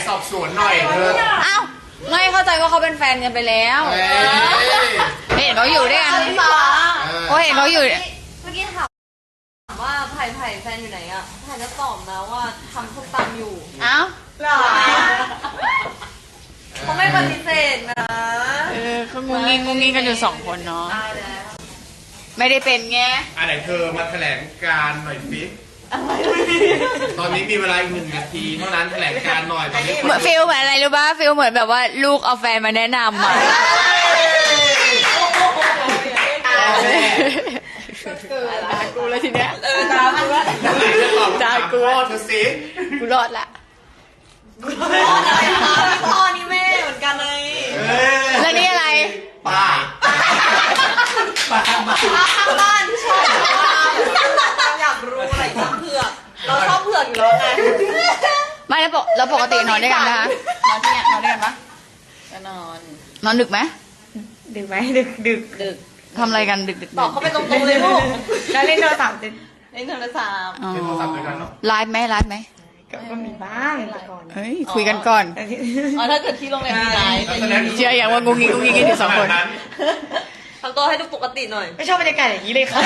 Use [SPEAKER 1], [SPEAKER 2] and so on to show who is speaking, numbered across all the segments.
[SPEAKER 1] สอบสวนหน่อยเถอะ
[SPEAKER 2] อ้าวไม่เข้าใจว่าเขาเป็นแฟนกันไปแล้วเห็นเขาอยู่ด้วยกันเขาเห็นเขาอยู่
[SPEAKER 3] เมื่อกี้ถามว่าไผ่แฟนอยู่ไหนอ่ะไผ่จะตอบนะว่าทำส้มตำอยู่
[SPEAKER 2] เอ้า
[SPEAKER 3] หรอเขาไม่ปฏิเสธนะ
[SPEAKER 2] เขางุ้งงิ้งกันอยู่2 คนเนาะไม่ได้เป็นไง
[SPEAKER 1] อะไรเธอมาแถลงการหน่อยสิตอนนี้มีเวลาอีก1 นาทีเท่านั้นแถลงการหน่อยตอนนี้
[SPEAKER 2] เหมือนฟิลเหมือนอะไรรู้ป่ะฟิลเหมือนแบบว่าลูกเอาแฟนมาแนะนำอ่ะด่ากูแล้วทีเนี้ย
[SPEAKER 3] ด่ามันว่า
[SPEAKER 2] ด่ากู
[SPEAKER 1] เธอสิ
[SPEAKER 2] กูรอดละ
[SPEAKER 3] พ่ออะไรคะพ่อนี่แม่เหมือนกันเลย
[SPEAKER 2] แล้วนี่อะไร
[SPEAKER 1] ป้า
[SPEAKER 3] บ้านชอบอยากรู้อะไรชอบเผือกเราชอบเผือกอยู่แล้วไง
[SPEAKER 2] ไม่แล้วปกตินอนด้วยกันนะคะนอนที่เนี่ยนอนด้วยกันปะ
[SPEAKER 3] ก็นอน
[SPEAKER 2] นอนดึกไหม
[SPEAKER 4] ดึกไหมดึก
[SPEAKER 2] ทำอะไรกันดึก
[SPEAKER 3] ตอบเขาไปตรงๆเลยลูก
[SPEAKER 4] แล้วเล่นโทรศัพท์
[SPEAKER 3] เล่นโทรศัพท์
[SPEAKER 2] อ๋อ
[SPEAKER 1] เป็นโทรศัพท์ด้วยกันเนาะ
[SPEAKER 2] ไลฟ์ไหมไลฟ์ไหม
[SPEAKER 4] ก็มีบ้างแต่ก่อน
[SPEAKER 2] เฮ้ยคุยกันก่อน
[SPEAKER 4] แต่ที่
[SPEAKER 3] อ๋อถ้าเกิดที่โรงแรมมีไลฟ์
[SPEAKER 2] เชื่ออย่างว่างุ้งงิ้งกันอยู่2 คน
[SPEAKER 3] ทำตัวให้ดูปกติหน่อย
[SPEAKER 4] ไม่ชอบบรรยากาศอย่างนี้เลยค่ะ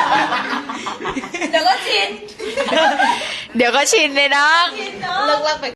[SPEAKER 3] เดี๋ยวก็ชิน
[SPEAKER 2] เดี๋ยวก็ชินเลยน้อง
[SPEAKER 3] เลิกไป